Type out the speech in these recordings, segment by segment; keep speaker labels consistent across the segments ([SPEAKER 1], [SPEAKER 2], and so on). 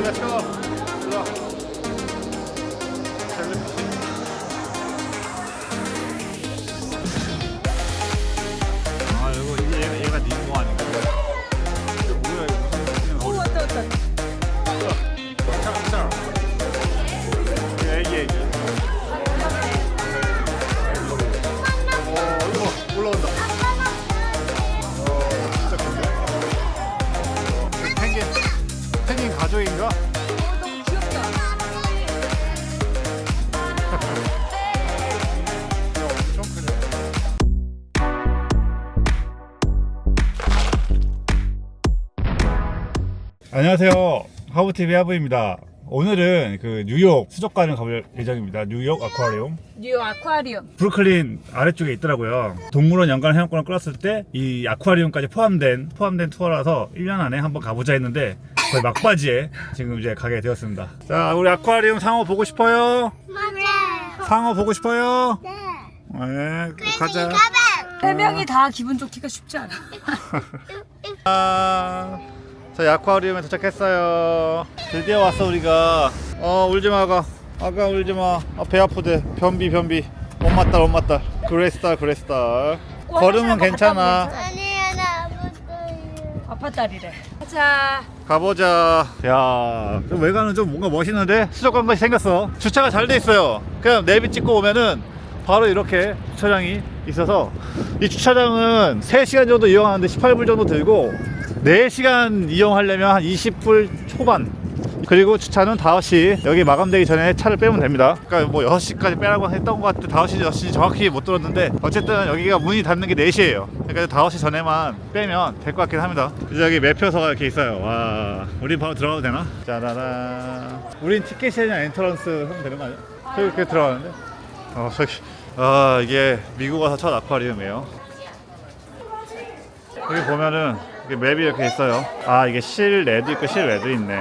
[SPEAKER 1] 렛츠고. 들어와. 아 이거 얘가 니모 아닌가? 이거 뭐야 이거?
[SPEAKER 2] 오 왔다 왔다.
[SPEAKER 1] 애기. 이거 올라온다. 진짜 큰데? 펭귄 가족인가?
[SPEAKER 2] 너무 귀엽다.
[SPEAKER 1] 엄청 크네. 안녕하세요. 하부TV 하부입니다. 오늘은 그 뉴욕 수족관을 가볼 예정입니다. 뉴욕 아쿠아리움.
[SPEAKER 2] 뉴욕 아쿠아리움.
[SPEAKER 1] 브루클린 아래쪽에 있더라고요. 동물원 연간 회원권을 끌었을 때 이 아쿠아리움까지 포함된 투어라서 1년 안에 한번 가보자 했는데 거의 막바지에 지금 이제 가게 되었습니다. 자, 우리 아쿠아리움 상어 보고 싶어요?
[SPEAKER 3] 맞아.
[SPEAKER 1] 상어 보고 싶어요?
[SPEAKER 3] 네.
[SPEAKER 1] 네, 가자.
[SPEAKER 2] 세 명이 다 기분 좋기가 쉽지 않아.
[SPEAKER 1] 저희 아쿠아리움에 도착했어요. 드디어 왔어 우리가. 울지마 아가 울지마. 배 아프대. 변비 엄마딸 그레스딸 걸으면 괜찮아.
[SPEAKER 3] 아니야 나 아팠어요.
[SPEAKER 2] 아빠딸이래. 가자.
[SPEAKER 1] 가보자. 야, 왜 가는 좀 뭔가 멋있는데? 수족관 같이 생겼어. 주차가 잘 돼 있어요. 그냥 내비 찍고 오면은 바로 이렇게 주차장이 있어서 이 주차장은 3시간 정도 이용하는데 18불 정도 들고 4시간 이용하려면 한 20불 초반. 그리고 주차는 5시 여기 마감되기 전에 차를 빼면 됩니다. 그러니까 뭐 6시까지 빼라고 했던 것 같아. 5시 6시 정확히 못 들었는데 어쨌든 여기가 문이 닫는 게 4시예요 그러니까 5시 전에만 빼면 될 것 같긴 합니다. 이제 여기 매표소가 이렇게 있어요. 와, 우린 바로 들어가도 되나? 짜라란. 우린 티켓이 아니라 엔터런스 하면 되는 거 아니야? 저기 이렇게 들어가는데? 저기. 이게 미국 와서 첫 아쿠아리움이에요. 여기 보면은 맵이 이렇게 있어요. 이게 실내도 있고 실외도 있네.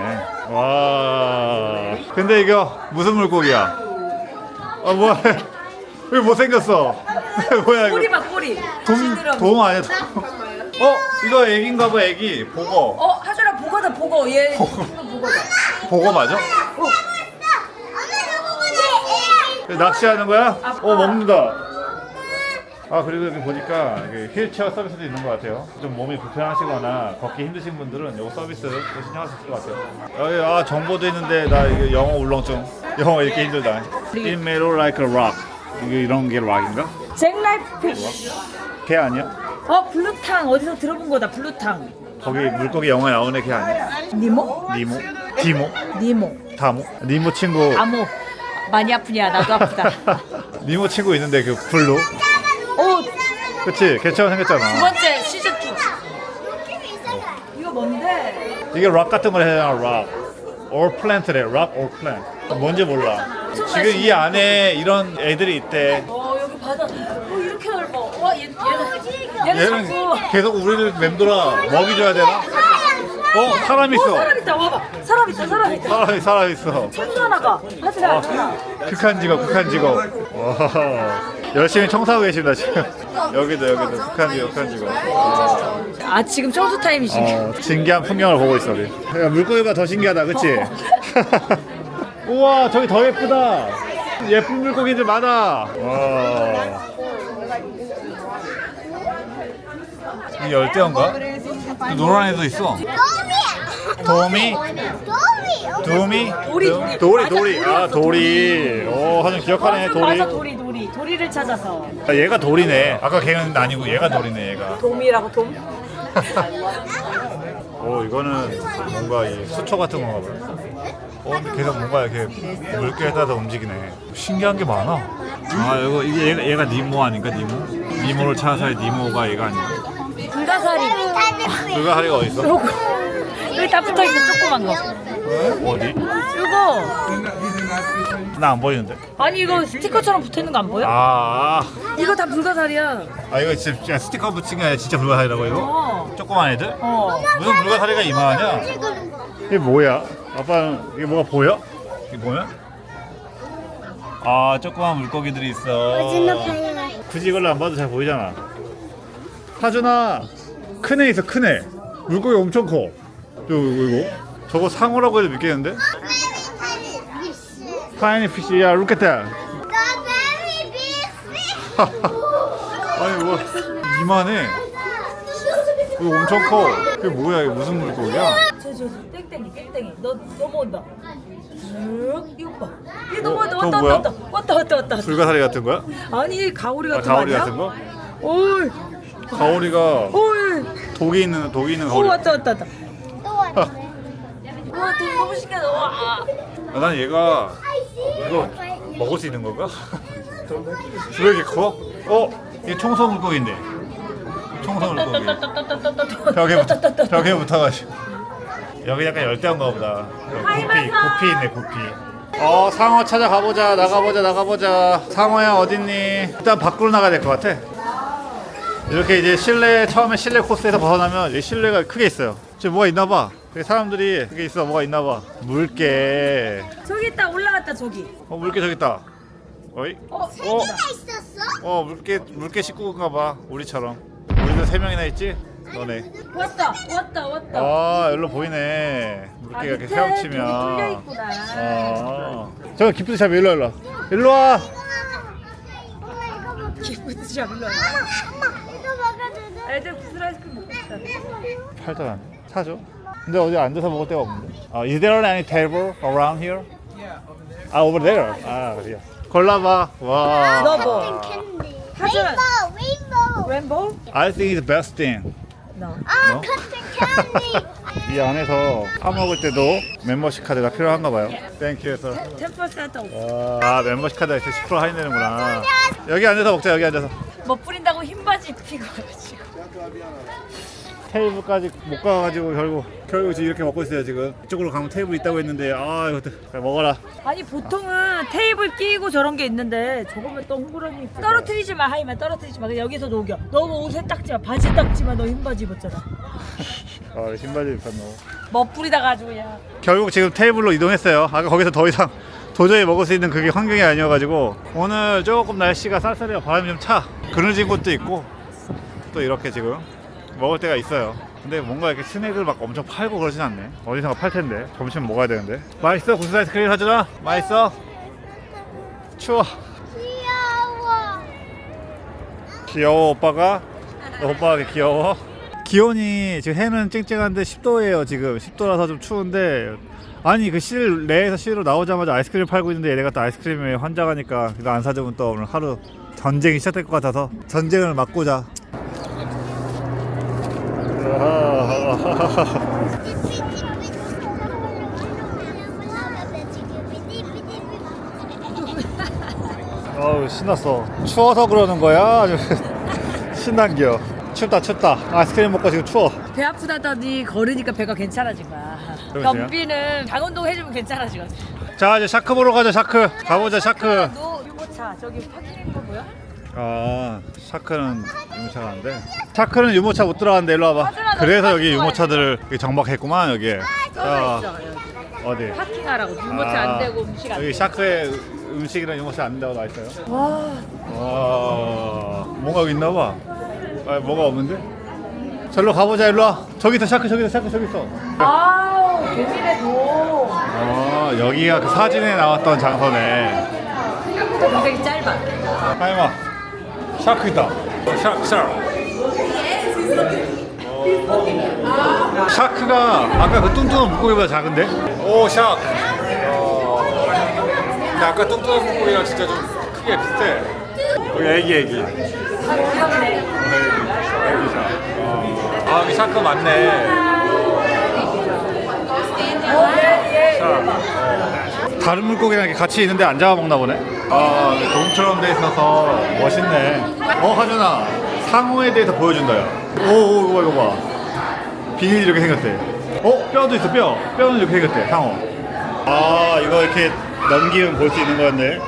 [SPEAKER 1] 와. 근데 이거 무슨 물고기야? 뭐야? 왜 못생겼어? 뭐야 이거?
[SPEAKER 2] 꼬리 봐 꼬리.
[SPEAKER 1] 돔 아니야? 이거 애기인가 봐. 애기 보거.
[SPEAKER 2] 하준아 보거다 보거. 얘 보거다.
[SPEAKER 1] 보거 맞아? 낚시하는 거야? 먹는다. 그리고 여기 보니까 휠체어 서비스도 있는 것 같아요. 좀 몸이 불편하시거나 걷기 힘드신 분들은 이 서비스 신청할 수 있을 것 같아요. 여기 정보도 있는데 나 이거 영어 울렁증. 영어 읽기 힘들다. It may look like a rock. 이게 이런 게 락인가?
[SPEAKER 2] 잭라이프 피쉬.
[SPEAKER 1] 걔 아니야?
[SPEAKER 2] 블루탕 어디서 들어본 거다. 블루탕.
[SPEAKER 1] 거기 물고기 영화에 나오는 걔 아니야?
[SPEAKER 2] 니모?
[SPEAKER 1] 니모? 디모?
[SPEAKER 2] 니모.
[SPEAKER 1] 다모? 니모 친구.
[SPEAKER 2] 아모. 많이 아프냐? 나도 아프다.
[SPEAKER 1] 니모 친구 있는데 그 블루? 그치? 걔처럼
[SPEAKER 2] 두
[SPEAKER 1] 생겼잖아.
[SPEAKER 2] 번째 시즌 2. 이거 뭔데?
[SPEAKER 1] 이게 락 같은 걸 해야 되나? 락 or plant래. 락 or plant. 뭔지 몰라. 지금 이 안에 이런 애들이 있대.
[SPEAKER 2] 여기 바다. 이렇게 넓어. 얘는 자꾸.
[SPEAKER 1] 계속 우리를 맴돌아. 먹이 줘야 되나? 사람 있어.
[SPEAKER 2] 사람 있다. 와봐. 사람 있다.
[SPEAKER 1] 사람 있어.
[SPEAKER 2] 천수 하나가. 하지라.
[SPEAKER 1] 극한 직업. 와, 열심히 청소하고 계십니다 지금. 여기도 극한 직업.
[SPEAKER 2] 지금 청소 타임이지.
[SPEAKER 1] 신기한 풍경을 보고 있어 우리. 야, 물고기가 더 신기하다, 그치? 우와, 저기 더 예쁘다. 예쁜 물고기들 많아. 와. 이 열대어인가? 노란 애도 있어. 도미? 도리. 도리. 하준 기억하네.
[SPEAKER 2] 맞아, 도리를 찾아서.
[SPEAKER 1] 얘가 도리네. 아까 걔는 아니고 얘가 도리네. 얘가.
[SPEAKER 2] 돔이라고 돔?
[SPEAKER 1] 이거는 뭔가 이 수초 같은 건가 봐요. 근데 계속 뭔가 이렇게 물결에 따라 움직이네. 신기한 게 많아. 이게 얘가 니모 아닌가? 니모를 찾아서 니모가 얘가 아닌가? 불가사리가 어디 있어?
[SPEAKER 2] 여기 다 붙어있어. 조그만 거.
[SPEAKER 1] 어디?
[SPEAKER 2] 이거.
[SPEAKER 1] 나 안 보이는데.
[SPEAKER 2] 아니 이거 스티커처럼 붙어있는 거 안 보여? 이거 다 불가사리야.
[SPEAKER 1] 이거 진짜 스티커 붙인 게 아니라 진짜 불가사리라고 이거? 조그만 애들? 무슨 불가사리가 이만하냐? 이게 뭐야? 아빠는 이게 뭐가 보여? 이게 뭐야? 조그만 물고기들이 있어. 굳이 이걸로 안 봐도 잘 보이잖아. 하준아, 큰 애 있어. 큰 애. 물고기 엄청 커. 이거 저거 상어라고 해도 믿겠는데? 파이니 피시, 야, look at that. 아니 뭐 이만해. 이거 엄청 커. 이게 뭐야? 이게 무슨 물고기야?
[SPEAKER 2] 저 땡땡이 너 넘어온다. 이거 봐. 얘 넘어온다.
[SPEAKER 1] 저거 뭐야?
[SPEAKER 2] 왔다.
[SPEAKER 1] 불가사리 같은 거야?
[SPEAKER 2] 아니 가오리
[SPEAKER 1] 아,
[SPEAKER 2] 같은 거
[SPEAKER 1] 가오리
[SPEAKER 2] 아니야?
[SPEAKER 1] 같은 거?
[SPEAKER 2] 오이
[SPEAKER 1] 가오리가
[SPEAKER 2] 오이.
[SPEAKER 1] 독이 있는
[SPEAKER 2] 오
[SPEAKER 1] 가오리.
[SPEAKER 2] 왔다.
[SPEAKER 3] 또 왔네.
[SPEAKER 2] 와 되게 너무 신기하다. 와.
[SPEAKER 1] 아, 난 얘가 이거 먹을 수 있는 건가? 왜 이렇게 커? 이게 청소 물고기인데. 청소 물고기. 벽에 붙어가지고. 여기 약간 열대어인가 보다. 구피 있네, 구피. 상어 찾아가보자. 나가보자. 상어야 어딨니? 일단 밖으로 나가야 될 것 같아. 이렇게 이제 처음에 실내 코스에서 벗어나면 이 실내가 크게 있어요. 지금 뭐가 있나봐. 사람들이 그게 있어. 뭐가 있나봐. 물개.
[SPEAKER 2] 저기 있다 올라갔다 저기.
[SPEAKER 1] 물개 저기 있다. 어이?
[SPEAKER 3] 있었어?
[SPEAKER 1] 물개 식구인가봐. 우리처럼. 우리도 3명이나 있지? 너네.
[SPEAKER 2] 왔다.
[SPEAKER 1] 일로 보이네. 물개가 이렇게
[SPEAKER 2] 밑에
[SPEAKER 1] 헤엄치면.
[SPEAKER 2] 독이 뚫려 있구나.
[SPEAKER 1] 저거 기프트 샵 일로 와.
[SPEAKER 2] 기쁘지 좀 일로 와.
[SPEAKER 3] 이거 먹어도 돼?
[SPEAKER 2] 애들 구슬 아이스크림 먹고 싶다.
[SPEAKER 1] 팔잖아. 사줘. 근데 어디 앉아서 먹을 데가 없는데. Is there any table around here? Over there. 그래요. 골라봐. 와.
[SPEAKER 2] 너 뭐?
[SPEAKER 3] 캔디.
[SPEAKER 2] 하지만
[SPEAKER 3] 레인보우.
[SPEAKER 2] 램보?
[SPEAKER 1] I think it's the best thing.
[SPEAKER 2] 너.
[SPEAKER 1] 어?
[SPEAKER 3] 커튼 캔디.
[SPEAKER 1] 이 안에서 사 먹을 때도 멤버십 카드가 필요한가 봐요. 땡큐에서.
[SPEAKER 2] 10%
[SPEAKER 1] 멤버십 카드가 있어 10% 할인되는구나. 여기 앉아서 먹자. 여기 앉아서.
[SPEAKER 2] 뭐 뿌린다고 흰바지 입히고 가지고.
[SPEAKER 1] 테이블까지 못 가가지고 결국 지금 이렇게 먹고 있어요. 지금 이쪽으로 가면 테이블 있다고 했는데 이것도 그래, 먹어라.
[SPEAKER 2] 아니 보통은 테이블 끼고 저런 게 있는데 저거면 또 홍보라니 떨어뜨리지 마 하이만 떨어뜨리지 마. 그냥 여기서 녹여. 너 옷에 닦지 마. 바지 닦지 마. 너 흰바지 입었잖아.
[SPEAKER 1] 신바지 입혔노.
[SPEAKER 2] 뭐 뿌리다 가지고 야.
[SPEAKER 1] 결국 지금 테이블로 이동했어요. 아까 거기서 더 이상 도저히 먹을 수 있는 그게 환경이 아니어가지고 오늘 조금 날씨가 쌀쌀해요. 바람이 좀 차. 그늘진 곳도 있고 또 이렇게 지금 먹을 때가 있어요. 근데 뭔가 이렇게 스낵을 막 엄청 팔고 그러진 않네. 어디선가 팔 텐데. 점심 먹어야 되는데. 맛있어? 구슬 아이스크림 사주나? 맛있어? 추워. 귀여워 오빠가? 오빠가 이렇게 귀여워? 기온이 지금 해는 쨍쨍한데 10도예요. 지금 10도라서 좀 추운데 아니 그 내에서 실로 나오자마자 아이스크림 팔고 있는데 얘네가 또 아이스크림에 환장하니까 이거 안 사주면 또 오늘 하루 전쟁이 시작될 것 같아서 전쟁을 막고자. 신났어. 추워서 그러는 거야? 신난겨. 춥다. 아이스크림 먹고 지금 추워.
[SPEAKER 2] 배 아프다더니 걸으니까 배가 괜찮아진 거야.
[SPEAKER 1] 그러세요?
[SPEAKER 2] 변비는 장운동 해주면 괜찮아지거든.
[SPEAKER 1] 자 이제 샤크 보러 가자. 샤크 가보자. 샤크.
[SPEAKER 2] 너 유모차 저기 파킹인 거 보여?
[SPEAKER 1] 샤크는 유모차가 아닌데 샤크는 유모차 못 들어가는데 일로 와봐.
[SPEAKER 2] 하준아, 너
[SPEAKER 1] 그래서 여기
[SPEAKER 2] 파킹
[SPEAKER 1] 유모차들을 이렇게 정박했구만. 여기에
[SPEAKER 2] 써져 있어 여기.
[SPEAKER 1] 어디?
[SPEAKER 2] 파킹하라고 유모차 안 되고 음식 안
[SPEAKER 1] 여기
[SPEAKER 2] 되고.
[SPEAKER 1] 샤크에 음식이랑 유모차 안 된다고 나와있어요.
[SPEAKER 2] 와.
[SPEAKER 1] 뭔가 여기 있나봐. 뭐가 없는데? 절로 가보자. 일로 와. 저기 있어. 샤크 저기 있어.
[SPEAKER 2] 아우 개미래도.
[SPEAKER 1] 여기가 그 사진에 나왔던 장소네.
[SPEAKER 2] 생각보다 굉장히 짧아.
[SPEAKER 1] 하이마 샤크 있다. 샤크가 아까 그 뚱뚱한 물고기보다 작은데? 오 샤크. 근데 아까 뚱뚱한 물고기랑 진짜 좀 크게 비슷해. 여기 애기.
[SPEAKER 2] 귀엽네.
[SPEAKER 1] 애기 샤크. 여기 샤크 많네. 다른 물고기랑 이렇게 같이 있는데 안 잡아먹나 보네. 동처럼 돼 있어서 멋있네. 하준아 상어에 대해서 보여준다. 이거 봐. 비닐 이렇게 생겼대. 뼈도 있어. 뼈는 이렇게 생겼대. 상어. 이거 이렇게 넘기면 볼 수 있는 거였네.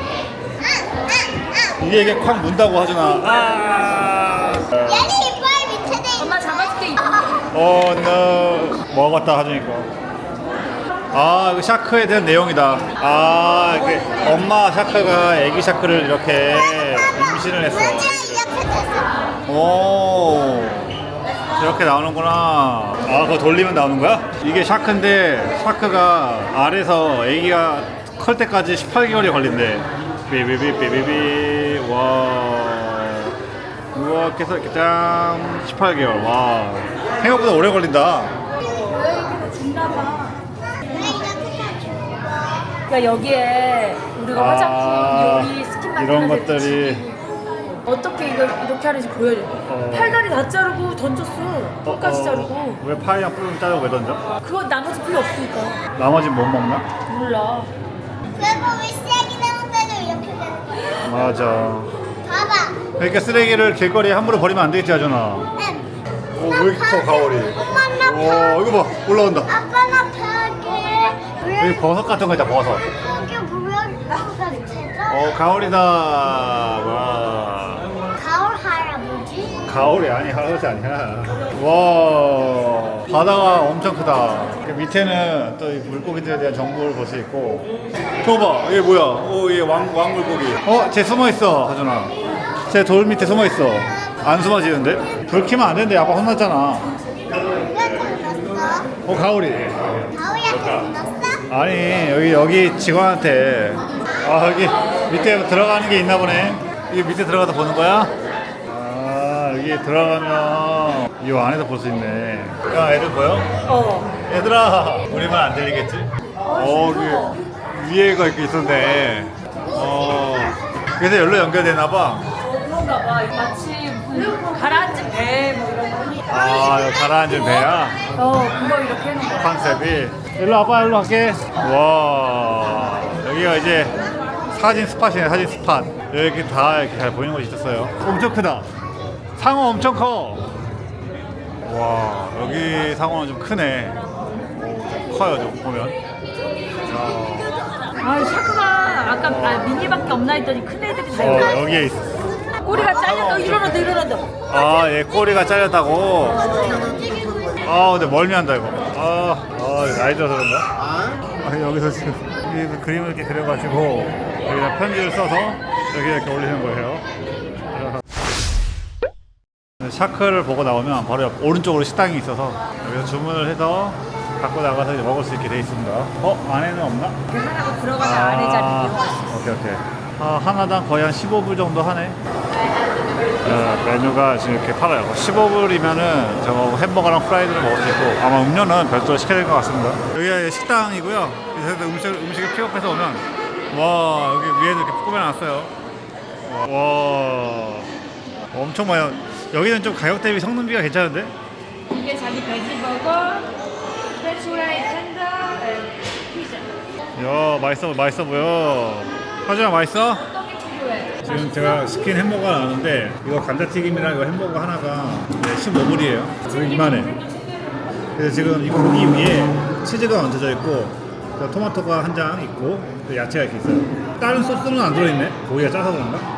[SPEAKER 1] 이게 콱 문다고 하준아.
[SPEAKER 3] 얘는 이빨 밑에 돼 있어.
[SPEAKER 2] 엄마 잡아줄게.
[SPEAKER 1] no. 먹었다 하준이거. 이거 샤크에 대한 내용이다. 이렇게 엄마 샤크가 애기 샤크를 이렇게 임신을 했어.
[SPEAKER 3] 이렇게 됐어.
[SPEAKER 1] 이렇게 나오는구나. 아, 그거 돌리면 나오는 거야? 이게 샤크인데 샤크가 알에서 애기가 클 때까지 18개월이 걸린대. 비비비비비비. 와. 이렇게 해서 이렇게 짠. 18개월. 와. 생각보다 오래 걸린다.
[SPEAKER 2] 여기서 준다봐.
[SPEAKER 3] 왜 이렇게 다
[SPEAKER 2] 그러니까 여기에 우리가 화장품, 요리, 스킨 만드는
[SPEAKER 1] 이런
[SPEAKER 2] 데
[SPEAKER 1] 것들이
[SPEAKER 2] 붙이고 어떻게 이걸 이렇게 하는지 보여줘. 팔다리 다 자르고 던졌어. 끝까지 자르고.
[SPEAKER 1] 왜 파이랑 뿔은 자르고 왜 던져?
[SPEAKER 2] 그건 나머지 필요 없으니까.
[SPEAKER 1] 나머지는 못 먹나?
[SPEAKER 2] 몰라.
[SPEAKER 3] 그리고 왜 쓰레기 나올 때도 이렇게 되는 거야?
[SPEAKER 1] 맞아.
[SPEAKER 3] 봐봐.
[SPEAKER 1] 그러니까 쓰레기를 길거리에 함부로 버리면 안 되겠지 하잖아. 오, 왜 이렇게 커 가오리?
[SPEAKER 3] 엄마 나
[SPEAKER 1] 오, 이거 봐, 올라온다.
[SPEAKER 3] 아빠 나 벽에
[SPEAKER 1] 여기 버섯 같은 거 있다, 버섯.
[SPEAKER 3] 거기 모양가 제가
[SPEAKER 1] 가오리다. 와.
[SPEAKER 3] 가을 할아버지.
[SPEAKER 1] 가오리 아니, 할아버지 아니야. 와, 바다가 엄청 크다. 그 밑에는 또 이 물고기들에 대한 정보를 볼 수 있고. 저거 봐, 이게 뭐야? 오, 이게 왕물고기. 쟤 숨어 있어, 하준아. 쟤 돌 밑에 숨어 있어. 안 숨어지는데? 불 켜면 안 되는데, 아빠 혼났잖아.
[SPEAKER 3] 왜 불렀어?
[SPEAKER 1] 가오리.
[SPEAKER 3] 가을이한테 불렀어?
[SPEAKER 1] 아니, 여기 직원한테. 아, 여기 밑에 들어가는 게 있나 보네. 이게 밑에 들어가서 보는 거야? 아, 여기 들어가면 이 안에서 볼 수 있네. 야, 애들 보여? 얘들아, 우리 말 안 들리겠지? 여기 위에가 이렇게 있었네. 그래서 열로 연결되나 봐.
[SPEAKER 2] 그런가 봐. 마치 무슨 가라앉은 배 뭐 이런 거.
[SPEAKER 1] 이거 가라앉은 배야?
[SPEAKER 2] 그거 이렇게 해놓은 거야.
[SPEAKER 1] 컨셉이. 일로 와봐, 일로 갈게. 와, 여기가 이제 사진 스팟이네, 사진 스팟. 여기 다 이렇게 잘 보이는 곳이 있었어요. 엄청 크다. 상어 엄청 커. 와, 여기 상어는 좀 크네. 좀 커요, 좀 보면.
[SPEAKER 2] 샤크가 아까 미니밖에 없나 했더니 큰 애들이 다 있네.
[SPEAKER 1] 여기에 있어.
[SPEAKER 2] 꼬리가 잘렸다. 일어난다.
[SPEAKER 1] 얘 꼬리가 잘렸다고. 근데 멀미한다, 이거. 나이 들어서 그런가? 여기서 지금 이 그림을 이렇게 그려가지고 여기다 편지를 써서 여기 이렇게 올리는 거예요. 샤크를 보고 나오면 바로 옆 오른쪽으로 식당이 있어서 여기서 주문을 해서 갖고 나가서 이제 먹을 수 있게 돼 있습니다. 안에는 없나?
[SPEAKER 2] 하나가 들어가면 안에 자리 이용할 수 있어.
[SPEAKER 1] 오케이. 하나당 거의 한 15불 정도 하네. 메뉴가 지금 이렇게 팔아요. 15불이면은 저 햄버거랑 프라이드를 먹을 수 있고 아마 음료는 별도로 시켜야 될 것 같습니다. 여기가 식당이고요. 그래서 음식을 픽업해서 오면 와, 여기 위에도 이렇게 꾸며놨어요. 와, 엄청 많아요. 여기는 좀 가격 대비 성능비가 괜찮은데?
[SPEAKER 2] 이게 자기 베지버거, 프렌치 후라이 텐더, 피자.
[SPEAKER 1] 맛있어 보여. 하준아, 맛있어?
[SPEAKER 2] 떡이 필요해.
[SPEAKER 1] 지금 제가 시킨 햄버거가 나왔는데 이거 감자튀김이랑 이거 햄버거 하나가 15불이에요. 지금 이만해. 그래서 지금 이 고기 위에 치즈가 얹어져 있고 토마토가 한 장 있고 야채가 이렇게 있어요. 다른 소스는 안 들어있네. 고기가 짜서 그런가?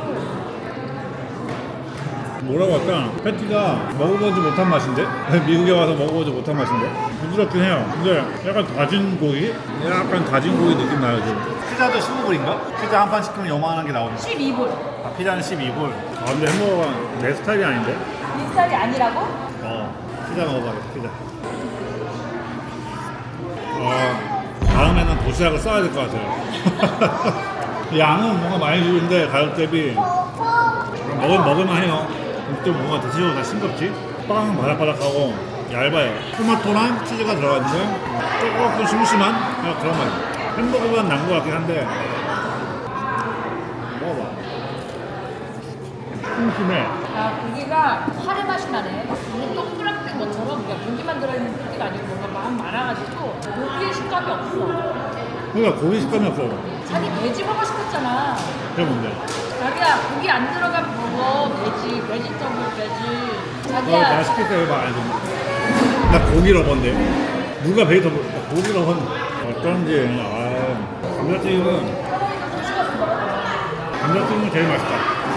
[SPEAKER 1] 뭐라고 할까? 패티가 먹어보지 못한 맛인데? 미국에 와서 먹어보지 못한 맛인데? 부드럽긴 해요. 근데 약간 다진 고기? 약간 다진 고기 느낌 나요 지금. 피자도 15불인가? 피자 한 판 시키면 요만한 게 나오네.
[SPEAKER 2] 12불.
[SPEAKER 1] 피자는 12불. 근데 햄버거가 내 스타일이 아닌데?
[SPEAKER 2] 이 스타일이 아니라고?
[SPEAKER 1] 피자 먹어봐야겠다. 피자. 다음에는 도시락을 써야 될 것 같아요. 양은 뭔가 많이 주는데 가격 대비 먹을만 해요. 좀 뭔가 드시고 다 싱겁지? 빵은 바삭바삭하고 얇아요. 토마토랑 치즈가 들어갔는데 조금 심심한 그런 맛. 햄버거보단 난 것 같긴 한데 먹어봐. 심심해.
[SPEAKER 2] 고기가 카레 맛이 나네. 이게 동그랗게 것처럼 그냥 고기만 들어있는 고기가 아니고 뭔가 막 많아가지고 고기의 식감이 없어.
[SPEAKER 1] 그러니까 고기 식감이 없어.
[SPEAKER 2] 자기 베지버거 시켰잖아.
[SPEAKER 1] 그게 뭔데?
[SPEAKER 2] 자기야 고기 안 들어간 버거 베지터블 베지.
[SPEAKER 1] 나
[SPEAKER 2] 자기야
[SPEAKER 1] 시킬 때 봐, 알지? 나 고기 러버인데 누가 베이터 고기 러버 어떤지. 감자튀김은 제일 맛있다.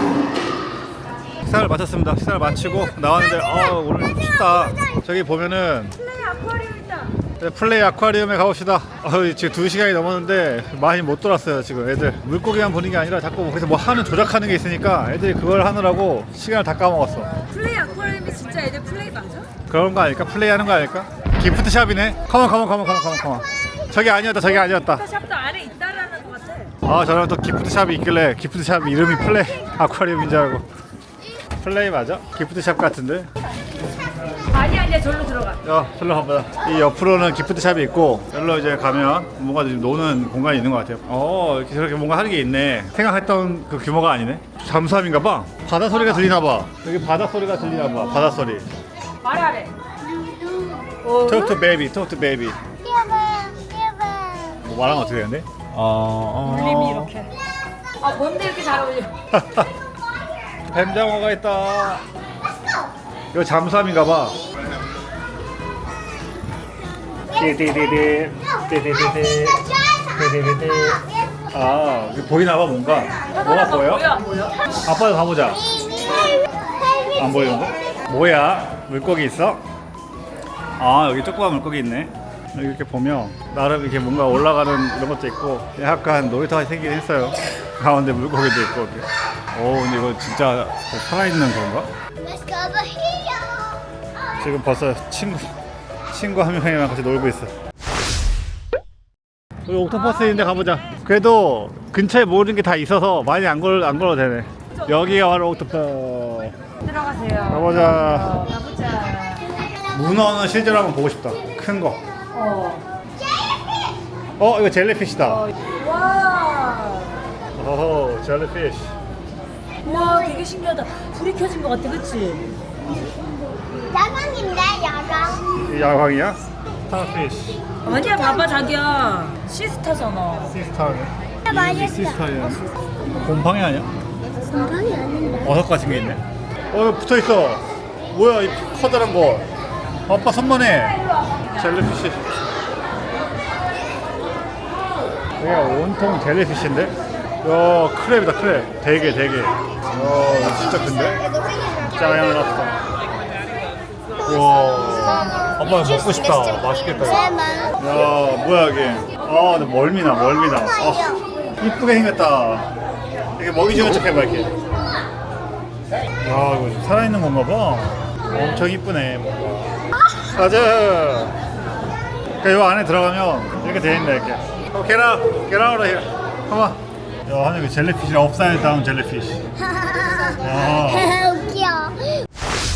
[SPEAKER 1] 식사를 마쳤습니다. 식사를 마치고 나왔는데 오늘 춥다. 저기 보면은
[SPEAKER 2] 플레이 아쿠아리움 있다.
[SPEAKER 1] 네, 플레이 아쿠아리움에 가봅시다. 지금 2시간이 넘었는데 많이 못 돌았어요. 지금 애들 물고기만 보는 게 아니라 자꾸 거기서 뭐 하는 조작하는 게 있으니까 애들이 그걸 하느라고 시간을 다 까먹었어.
[SPEAKER 2] 플레이 아쿠아리움이 진짜 애들 플레이 맞아?
[SPEAKER 1] 그런 거 아닐까? 플레이 하는 거 아닐까? 기프트샵이네. 컴온. 저기 아니었다.
[SPEAKER 2] 샵도 안에 있다라는 것 같아.
[SPEAKER 1] 아, 저는 또 기프트샵이 있길래 기프트샵 이름이 플레이 아쿠아리움인 줄 알고. 플레이 맞아? 기프트샵 같은데?
[SPEAKER 2] 아니야 절로 들어가.
[SPEAKER 1] 야, 절로 가보자. 이 옆으로는 기프트샵이 있고 여기로 이제 가면 뭔가 좀 노는 공간이 있는 것 같아요. 이렇게 저렇게 뭔가 하는 게 있네. 생각했던 그 규모가 아니네. 잠수함인가 봐. 바다 소리가 들리나 봐. 여기 바다 소리가 들리나 봐. 바다 소리.
[SPEAKER 2] 말하래.
[SPEAKER 1] Talk to baby.
[SPEAKER 3] 뛰어봐.
[SPEAKER 1] 뭐 말하면 어떻게 되는데?
[SPEAKER 2] 울림이 이렇게. 아 뭔데 이렇게 잘 어울려?
[SPEAKER 1] 뱀장어가 있다. 이거 잠수함인가 봐. 띠디디디. 아, 여기 보이나 봐 뭔가. 뭐가 보여?
[SPEAKER 2] 뭐야?
[SPEAKER 1] 아빠도 가보자. 안 보이는데? 뭐야? 물고기 있어? 아, 여기 조그만 물고기 있네. 여기 이렇게 보면 나름 이렇게 뭔가 올라가는 이런 것도 있고 약간 놀이터가 생기긴 했어요. 가운데 물고기도 있고 이렇게. 근데 이거 진짜 살아있는 건가?
[SPEAKER 3] Let's go over here.
[SPEAKER 1] 지금 벌써 친구 한 명이랑 같이 놀고 있어. 우리 옥토퍼스 있는데 가보자. 그래도 근처에 모르는 게 다 있어서 많이 안 걸어도 되네. 여기가 바로 옥토퍼스.
[SPEAKER 2] 들어가세요.
[SPEAKER 1] 가보자.
[SPEAKER 2] 가보자.
[SPEAKER 1] 문어는 실제로 한번 보고 싶다. 큰 거. 이거 젤리피시다.
[SPEAKER 2] 와.
[SPEAKER 1] 어허, 젤리피시.
[SPEAKER 2] 와 되게 신기하다. 불이 켜진 것 같아, 그치?
[SPEAKER 3] 야광인데 야광.
[SPEAKER 1] 이 야광이야? 스타피시.
[SPEAKER 2] 아니야, 봐봐 자기야. 시스타잖아.
[SPEAKER 1] 시스타네.
[SPEAKER 3] 맛있어.
[SPEAKER 1] 시스타야. 곰팡이 아니야?
[SPEAKER 3] 건강이 아닌데.
[SPEAKER 1] 버섯 같은 게 있네. 이거 붙어 있어. 뭐야 이 커다란 거. 아빠 선만해. 젤리피시. 이게 온통 젤리피시인데? 야, 크랩이다 크랩. 되게. 이거 진짜 큰데? 짜양 랍스터. 우와. 아빠 먹고 싶다. 맛있겠다. 이거. 야, 뭐야 이게. 근데 멀미나. 이쁘게 생겼다. 이게 먹이 주는 척 해봐 이렇게. 야, 이거 좀 살아있는 건가 봐. 엄청 이쁘네 뭔가. 가자. 그러니까 이 안에 들어가면 이렇게 돼 있네 이렇게. Get out of here. Come on. 야, 하늘 그 젤리피시랑 업사이드 다운 젤리피시. 야.
[SPEAKER 3] 웃겨.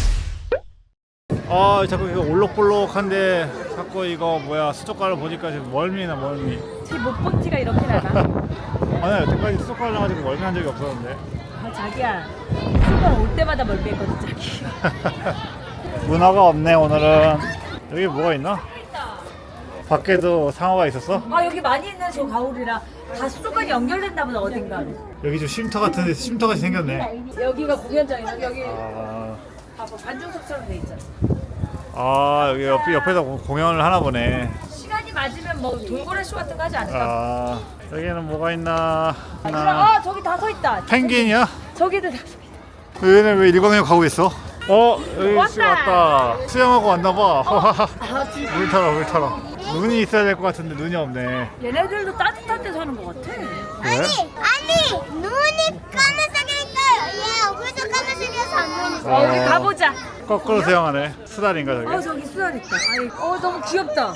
[SPEAKER 1] 자꾸 이거 올록볼록한데 자꾸 이거 뭐야 수족관을 보니까 지금 멀미나.
[SPEAKER 2] 제 못박지가 이렇게 나나?
[SPEAKER 1] 아니 여태까지 수족관을 가지고 멀미한 적이 없었는데.
[SPEAKER 2] 아 자기야. 수건 올 때마다 멀미했거든 자기.
[SPEAKER 1] 문어가 없네 오늘은. 여기 뭐가 있나? 밖에도 상어가 있었어?
[SPEAKER 2] 아 여기 많이 있는 저 가오리랑 다 수족관이 연결됐나 보다 어딘가.
[SPEAKER 1] 여기 좀 쉼터 같은데 쉼터같이 생겼네.
[SPEAKER 2] 여기가 공연장이야. 여기
[SPEAKER 1] 아,
[SPEAKER 2] 봐봐 관중석처럼 돼 있잖아.
[SPEAKER 1] 여기 옆에서 공연을 하나 보네.
[SPEAKER 2] 시간이 맞으면 뭐 돌고래 쇼 같은 거 하지 않을까?
[SPEAKER 1] 여기는 뭐가 있나?
[SPEAKER 2] 저기 다 서 있다.
[SPEAKER 1] 펭귄이야?
[SPEAKER 2] 저기도 다 서 있다.
[SPEAKER 1] 얘네 왜 일광욕 가고 있어? 여기
[SPEAKER 2] 왔다.
[SPEAKER 1] 왔다. 수영하고 왔나봐.
[SPEAKER 2] 진짜.
[SPEAKER 1] 물 타러. 눈이 있어야 될 것 같은데 눈이 없네.
[SPEAKER 2] 얘네들도 따뜻한 데 사는 것 같아.
[SPEAKER 1] 그래?
[SPEAKER 3] 아니 눈이 까만색이 있어요. 얘 얼굴도 까만색이어서 안 보이는.
[SPEAKER 2] 여기 가보자.
[SPEAKER 1] 거꾸로 수영하네. 수달인가 저기?
[SPEAKER 2] 저기 수달 있다. 너무 귀엽다.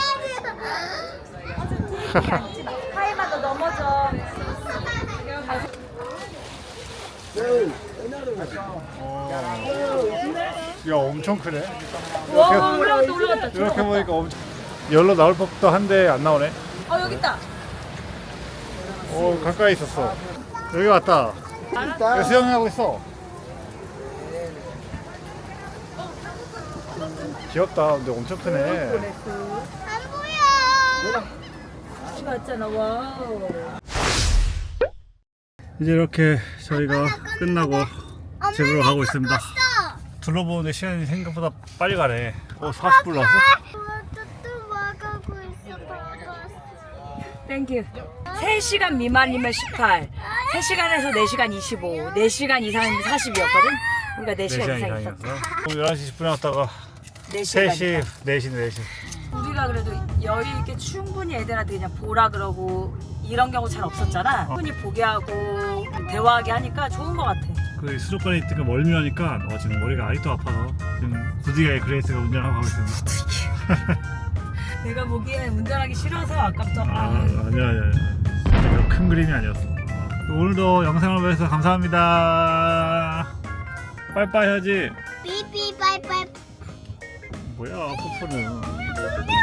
[SPEAKER 2] 앉지 마. 하이마 너 넘어져.
[SPEAKER 1] 야, 엄청 크네.
[SPEAKER 2] 와 올라갔다.
[SPEAKER 1] 이렇게 보니까 엄청 열로 나올 법도 한데 안 나오네.
[SPEAKER 2] 여기 있다.
[SPEAKER 1] 가까이 있었어. 여기 왔다. 여기 수영하고 있어. 귀엽다. 근데 엄청 크네.
[SPEAKER 3] 안 보여.
[SPEAKER 2] 같이 갔잖아. 와우.
[SPEAKER 1] 이제 이렇게 저희가 끝나고 집으로 가고 있습니다. 둘러보는데 시간이 생각보다 빨리 가네. 40분 남았어?
[SPEAKER 3] 또 와가고 있어. 봐봤어.
[SPEAKER 2] 땡큐. 3시간 미만이면 18, 3시간에서 4시간 25, 4시간 이상이면 40이었거든? 그러니까 4시간 이상 있었어.
[SPEAKER 1] 11시 10분에 왔다가
[SPEAKER 2] 4시간.
[SPEAKER 1] 4시.
[SPEAKER 2] 우리가 우리가 그래도 여유 있게 충분히 애들한테 그냥 보라 그러고 이런 경우 잘 없었잖아. 충분히 보게 하고 대화하게 하니까 좋은 것 같아.
[SPEAKER 1] 그 수족관에 있으니까 멀미하니까 지금 머리가 아직도 아파서 지금 부디가의 그레이스가 운전하고 가고 있습니다.
[SPEAKER 2] 내가 보기엔 운전하기 싫어서 아깝다.
[SPEAKER 1] 아니야. 진짜 큰 그림이 아니었어. 오늘도 영상을 봐주셔서 감사합니다. 빠이빠이 해야지.
[SPEAKER 3] 삐삐 빠이빠이.
[SPEAKER 1] 뭐야, 뽀뽀는.
[SPEAKER 3] 안녕.